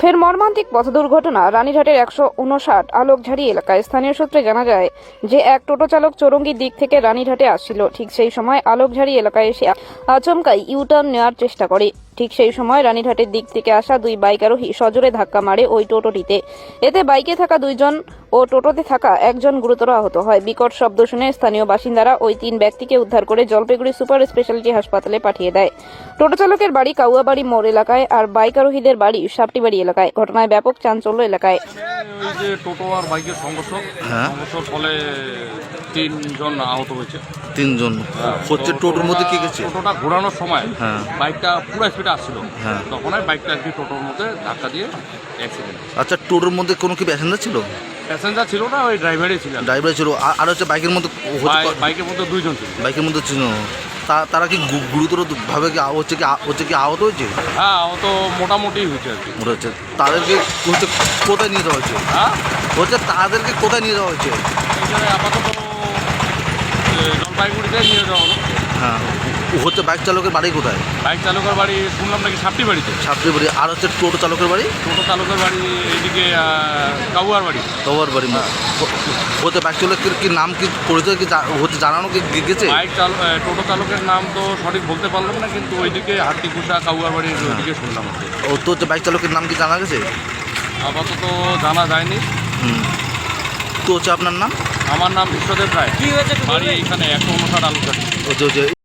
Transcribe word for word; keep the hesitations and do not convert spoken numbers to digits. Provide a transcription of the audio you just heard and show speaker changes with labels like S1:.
S1: ফের মর্মান্তিক পথ দুর্ঘটনা রানীঘাটের একশো উনষাট আলোকঝাড়ি এলাকায়। স্থানীয় সূত্রে জানা যায় যে এক টোটো চালক চৌরঙ্গির দিক থেকে রানীঘাটে আসছিল। ঠিক সেই সময় আলোকঝাড়ি এলাকায় এসে আচমকাই ইউটার্ন নেওয়ার চেষ্টা করে। ঠিক সেই সময় রানীঘাটের দিক থেকে আসা দুই বাইক আরোহী সজোরে ধাক্কা মারে ওই টোটোটিতে। এতে বাইকে থাকা দুইজন ও টোটোতে থাকা একজন গুরুতর আহত হয়। বিকট শব্দ শুনে স্থানীয় বাসিন্দারা ওই তিন ব্যক্তিকে উদ্ধার করে জলপাইগুড়ি সুপার স্পেশালিটি হাসপাতালে পাঠিয়ে দেয়। টোটো চালকের বাড়ি কাউয়াবাড়ি মোড় এলাকায় আর বাইক আরোহীদের বাড়ি সাপটিবাড়ি এলাকায়। ঘটনায় ব্যাপক চাঞ্চল্য এলাকায়।
S2: ওই যে টোটো আর বাইকের সংঘর্ষ
S3: হ্যাঁ।
S2: সংঘর্ষের ফলে তিনজন আহত হয়েছে।
S3: তিনজন হচ্ছে টোটোর মধ্যে কি গেছে?
S2: টোটোটা ঘোরানোর সময়
S3: হ্যাঁ।
S2: বাইকটা পুরো স্পিডে আসছিল,
S3: হ্যাঁ।
S2: তখন বাইকটা আর কি টোটোর মধ্যে ধাক্কা দিয়ে অ্যাক্সিডেন্ট।
S3: আচ্ছা, টোটোর মধ্যে কোনো কি প্যাসেঞ্জার ছিল?
S2: প্যাসেঞ্জার ছিল না, ওই ড্রাইভারই ছিল।
S3: ড্রাইভার ছিল, আর- আর হচ্ছে বাইকের মধ্যে হতে
S2: বাই-
S3: পারে-
S2: বাইকের মধ্যে দুইজন ছিল।
S3: বাইকের মধ্যে ছিল। তা- তারা কি গু- গুরুতর ভাবে কি আ- হচ্ছে কি আ- হচ্ছে কি আহত হয়েছে?
S2: হ্যাঁ, ও তো মোটামুটি হয়েছে আর কি।
S3: মনে হচ্ছে তাদেরকে হচ্ছে কোথায় নিয়ে যাওয়া হয়েছে?
S2: হ্যাঁ,
S3: হচ্ছে তাদেরকে কোথায় নিয়ে যাওয়া হয়েছে?
S2: এইখানে আপাতত এ, জলপাইগুড়িতে নিয়ে যাওয়া হলো।
S3: হ্যাঁ, হচ্ছে বাইক চালকের বাড়ি কোথায়?
S2: বাইক চালকের বাড়ি শুনলাম নাকি সাপটি বাড়িতে।
S3: ছাত্রী বাড়ি। আর হচ্ছে টোটো চালকের বাড়ি
S2: টোটো চালকের বাড়ি এইদিকে কাউয়ার বাড়ি।
S3: তোমার বাড়ি। হচ্ছে বাইক চালকের কি নাম কি পরিচয় কি জা- হচ্ছে জানানো কি গে- গেছে?
S2: বাইক চাল এ, টোটো চালকের নাম তো সঠিক বলতে পারলাম না, কিন্তু ওইদিকে হাট্টিকুষা কাউয়ার বাড়ির ওইদিকে শুনলাম আর কি।
S3: ও তো হচ্ছে বাইক চালকের নাম কি জানা গেছে?
S2: আপাতত জানা যায়নি।
S3: হুম। তো হচ্ছে আপনার নাম?
S2: আমার নাম বিশ্বদেব রায়, বাড়ি এখানে একশো উনষাট আলুঘাট।
S3: হচ্ছে হচ্ছে